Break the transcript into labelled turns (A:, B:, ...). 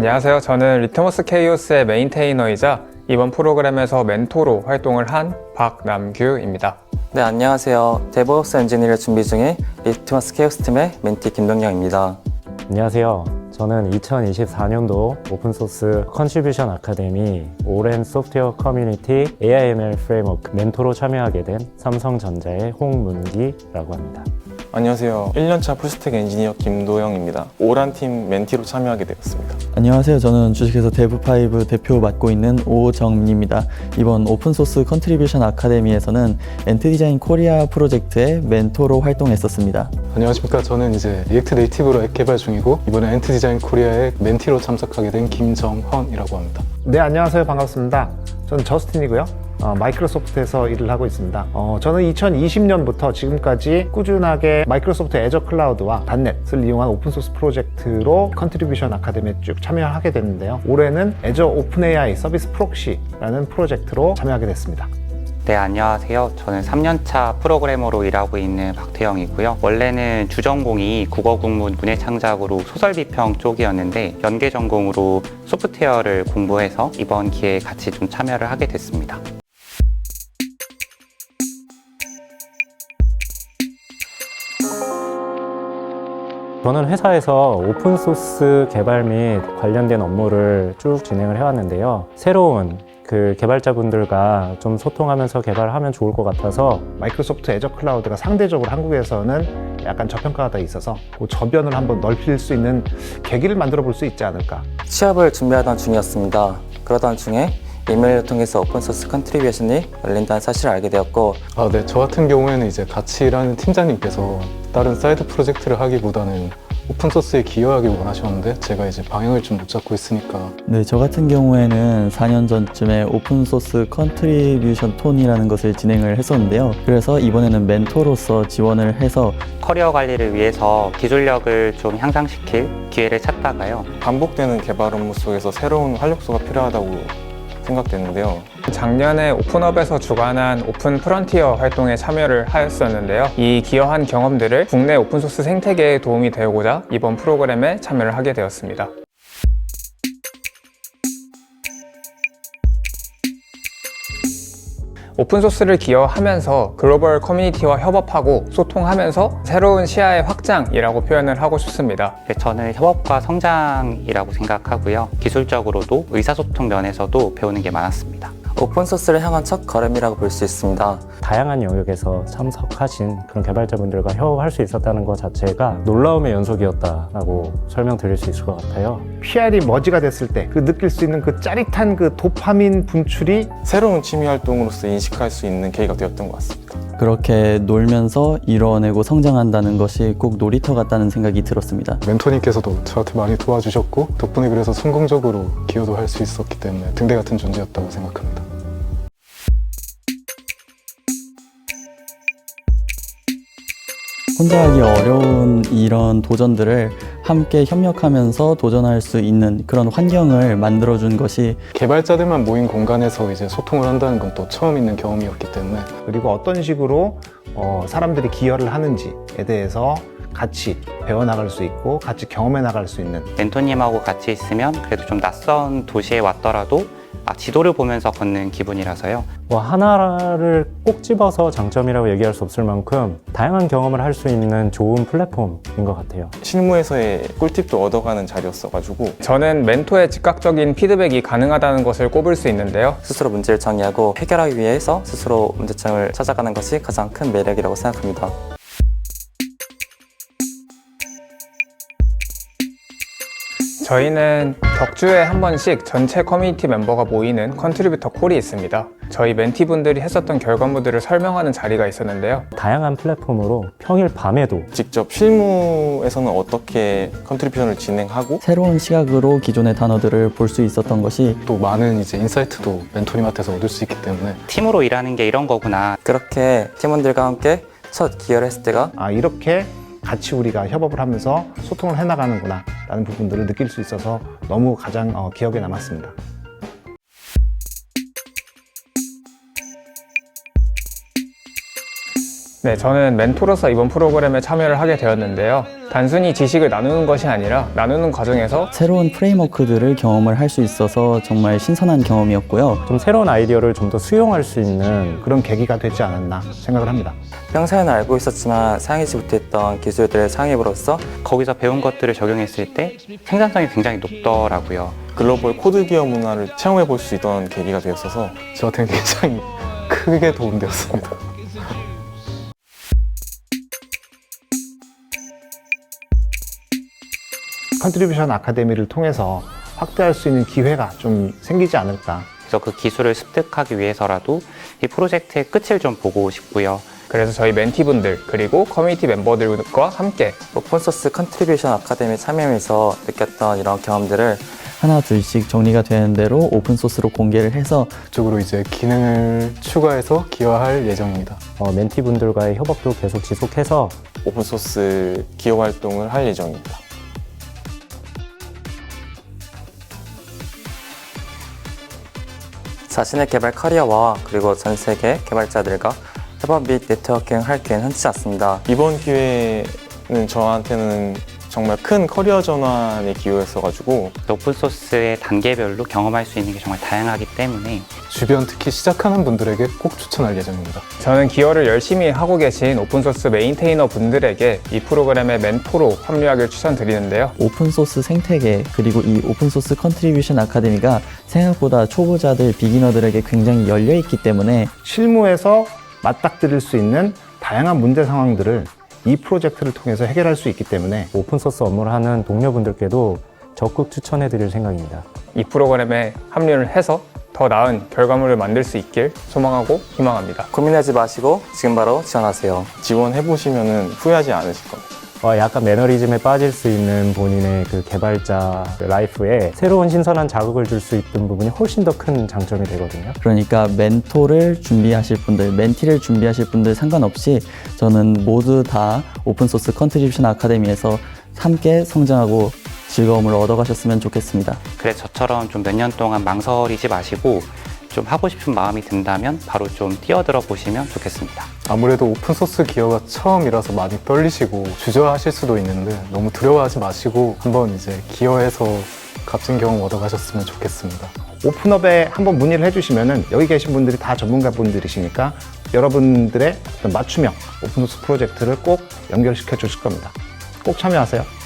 A: 안녕하세요. 저는 리트머스 케이오스의 메인테이너이자 이번 프로그램에서 멘토로 활동을 한 박남규입니다.
B: 네, 안녕하세요. 데브옵스 엔지니어를 준비 중인 리트머스 케이오스 팀의 멘티 김동영입니다.
C: 안녕하세요. 저는 2024년도 오픈소스 컨트리뷰션 아카데미 오랜 소프트웨어 커뮤니티 AIML 프레임워크 멘토로 참여하게 된 삼성전자의 홍문기라고 합니다.
D: 안녕하세요. 1년차 풀스택 엔지니어 김도영입니다. 오란팀 멘티로 참여하게 되었습니다.
E: 안녕하세요. 저는 주식회사 데브5 대표 맡고 있는 오정민입니다. 이번 오픈소스 컨트리뷰션 아카데미에서는 엔트디자인 코리아 프로젝트의 멘토로 활동했었습니다.
F: 안녕하십니까. 저는 이제 리액트 네이티브로 앱 개발 중이고 이번에 엔트디자인 코리아의 멘티로 참석하게 된 김정헌이라고 합니다.
G: 네, 안녕하세요. 반갑습니다. 저는 저스틴이고요. 마이크로소프트에서 일을 하고 있습니다. 저는 2020년부터 지금까지 꾸준하게 마이크로소프트 애저 클라우드와 닷넷을 이용한 오픈소스 프로젝트로 컨트리뷰션 아카데미에 쭉 참여하게 됐는데요. 올해는 애저 오픈 AI 서비스 프록시라는 프로젝트로 참여하게 됐습니다.
H: 네, 안녕하세요. 저는 3년차 프로그래머로 일하고 있는 박태영이고요. 원래는 주전공이 국어국문 문해창작으로 소설비평 쪽이었는데 연계 전공으로 소프트웨어를 공부해서 이번 기회에 같이 좀 참여를 하게 됐습니다.
C: 저는 회사에서 오픈소스 개발 및 관련된 업무를 쭉 진행을 해왔는데요. 새로운 개발자분들과 좀 소통하면서 개발하면 좋을 것 같아서
G: 마이크로소프트 애저 클라우드가 상대적으로 한국에서는 약간 저평가가 돼 있어서 그 저변을 한번 넓힐 수 있는 계기를 만들어 볼 수 있지 않을까.
B: 취업을 준비하던 중이었습니다. 그러던 중에 이메일을 통해서 오픈소스 컨트리뷰션이 열린다는 사실을 알게 되었고
F: 네. 저 같은 경우에는 이제 같이 일하는 팀장님께서 다른 사이드 프로젝트를 하기보다는 오픈소스에 기여하길 원하셨는데 제가 이제 방향을 좀 못 잡고 있으니까
E: 네, 저 같은 경우에는 4년 전쯤에 오픈소스 컨트리뷰션 톤이라는 것을 진행을 했었는데요. 그래서 이번에는 멘토로서 지원을 해서
H: 커리어 관리를 위해서 기술력을 좀 향상시킬 기회를 찾다가요.
D: 반복되는 개발 업무 속에서 새로운 활력소가 필요하다고 생각됐는데요.
A: 작년에 오픈업에서 주관한 오픈 프론티어 활동에 참여를 하였었는데요. 이 기여한 경험들을 국내 오픈소스 생태계에 도움이 되고자 이번 프로그램에 참여를 하게 되었습니다. 오픈소스를 기여하면서 글로벌 커뮤니티와 협업하고 소통하면서 새로운 시야의 확장이라고 표현을 하고 싶습니다.
H: 저는 협업과 성장이라고 생각하고요. 기술적으로도 의사소통 면에서도 배우는 게 많았습니다.
B: 오픈소스를 향한 첫 걸음이라고 볼 수 있습니다.
C: 다양한 영역에서 참석하신 그런 개발자분들과 협업할 수 있었다는 것 자체가 놀라움의 연속이었다라고 설명드릴 수 있을 것 같아요.
G: PR이 머지가 됐을 때 그 느낄 수 있는 그 짜릿한 그 도파민 분출이
D: 새로운 취미 활동으로서 인식할 수 있는 계기가 되었던 것 같습니다.
E: 그렇게 놀면서 이뤄내고 성장한다는 것이 꼭 놀이터 같다는 생각이 들었습니다.
F: 멘토님께서도 저한테 많이 도와주셨고 덕분에 그래서 성공적으로 기여도 할 수 있었기 때문에 등대 같은 존재였다고 생각합니다.
E: 혼자 하기 어려운 이런 도전들을 함께 협력하면서 도전할 수 있는 그런 환경을 만들어준 것이
F: 개발자들만 모인 공간에서 이제 소통을 한다는 건 또 처음 있는 경험이었기 때문에
G: 그리고 어떤 식으로 사람들이 기여를 하는지에 대해서 같이 배워나갈 수 있고 같이 경험해 나갈 수 있는
H: 멘토님하고 같이 있으면 그래도 좀 낯선 도시에 왔더라도 지도를 보면서 걷는 기분이라서요.
C: 하나를 꼭 집어서 장점이라고 얘기할 수 없을 만큼 다양한 경험을 할 수 있는 좋은 플랫폼인 것 같아요.
D: 실무에서의 꿀팁도 얻어가는 자리였어가지고
A: 저는 멘토의 즉각적인 피드백이 가능하다는 것을 꼽을 수 있는데요.
B: 스스로 문제를 정의하고 해결하기 위해서 스스로 문제점을 찾아가는 것이 가장 큰 매력이라고 생각합니다.
A: 저희는 격주에 한 번씩 전체 커뮤니티 멤버가 모이는 컨트리뷰터 콜이 있습니다. 저희 멘티분들이 했었던 결과물들을 설명하는 자리가 있었는데요.
C: 다양한 플랫폼으로 평일 밤에도
D: 직접 실무에서는 어떻게 컨트리뷰션을 진행하고
E: 새로운 시각으로 기존의 단어들을 볼 수 있었던 것이
F: 또 많은 이제 인사이트도 멘토님한테서 얻을 수 있기 때문에
H: 팀으로 일하는 게 이런 거구나.
B: 그렇게 팀원들과 함께 첫 기여를 했을 때가
G: 이렇게 같이 우리가 협업을 하면서 소통을 해나가는구나 라는 부분들을 느낄 수 있어서 너무 가장 기억에 남았습니다.
A: 네, 저는 멘토로서 이번 프로그램에 참여를 하게 되었는데요. 단순히 지식을 나누는 것이 아니라 나누는 과정에서
E: 새로운 프레임워크들을 경험을 할 수 있어서 정말 신선한 경험이었고요.
C: 좀 새로운 아이디어를 좀 더 수용할 수 있는
G: 그런 계기가 되지 않았나 생각을 합니다.
B: 평소에는 알고 있었지만 사용하지 못했던 기술들을 사용해으로써
H: 거기서 배운 것들을 적용했을 때 생산성이 굉장히 높더라고요.
D: 글로벌 코드 기업 문화를 체험해 볼 수 있던 계기가 되었어서
F: 저한테는 굉장히 크게 도움되었습니다.
G: 컨트리뷰션 아카데미를 통해서 확대할 수 있는 기회가 좀 생기지 않을까.
H: 그래서 그 기술을 습득하기 위해서라도 이 프로젝트의 끝을 좀 보고 싶고요.
A: 그래서 저희 멘티분들 그리고 커뮤니티 멤버들과 함께
B: 오픈소스 컨트리뷰션 아카데미 참여하면서 느꼈던 이런 경험들을
E: 하나 둘씩 정리가 되는 대로 오픈소스로 공개를 해서
F: 그쪽으로 이제 기능을 추가해서 기여할 예정입니다.
C: 멘티분들과의 협업도 계속 지속해서
D: 오픈소스 기업 활동을 할 예정입니다.
B: 자신의 개발 커리어와 그리고 전 세계 개발자들과 협업 및 네트워킹 할 기회는 흔치 않습니다.
D: 이번 기회는 저한테는 정말 큰 커리어 전환의 기회였어가지고
H: 오픈소스의 단계별로 경험할 수 있는 게 정말 다양하기 때문에
F: 주변 특히 시작하는 분들에게 꼭 추천할 예정입니다.
A: 저는 기여를 열심히 하고 계신 오픈소스 메인테이너 분들에게 이 프로그램의 멘토로 합류하길 추천드리는데요.
E: 오픈소스 생태계 그리고 이 오픈소스 컨트리뷰션 아카데미가 생각보다 초보자들, 비기너들에게 굉장히 열려있기 때문에
G: 실무에서 맞닥뜨릴 수 있는 다양한 문제 상황들을 이 프로젝트를 통해서 해결할 수 있기 때문에
C: 오픈소스 업무를 하는 동료분들께도 적극 추천해 드릴 생각입니다.
A: 이 프로그램에 합류를 해서 더 나은 결과물을 만들 수 있길 소망하고 희망합니다.
B: 고민하지 마시고 지금 바로 지원하세요.
D: 지원해보시면 후회하지 않으실 겁니다.
C: 약간 매너리즘에 빠질 수 있는 본인의 그 개발자 라이프에 새로운 신선한 자극을 줄 수 있는 부분이 훨씬 더 큰 장점이 되거든요.
E: 그러니까 멘토를 준비하실 분들, 멘티를 준비하실 분들 상관없이 저는 모두 다 오픈소스 컨트리뷰션 아카데미에서 함께 성장하고 즐거움을 얻어가셨으면 좋겠습니다.
H: 그래서 저처럼 좀 몇 년 동안 망설이지 마시고 좀 하고 싶은 마음이 든다면 바로 좀 뛰어들어 보시면 좋겠습니다.
F: 아무래도 오픈소스 기여가 처음이라서 많이 떨리시고 주저하실 수도 있는데 너무 두려워하지 마시고 한번 이제 기여해서 값진 경험 얻어가셨으면 좋겠습니다.
G: 오픈업에 한번 문의를 해주시면은 여기 계신 분들이 다 전문가 분들이시니까 여러분들의 어떤 맞춤형 오픈소스 프로젝트를 꼭 연결시켜 주실 겁니다. 꼭 참여하세요.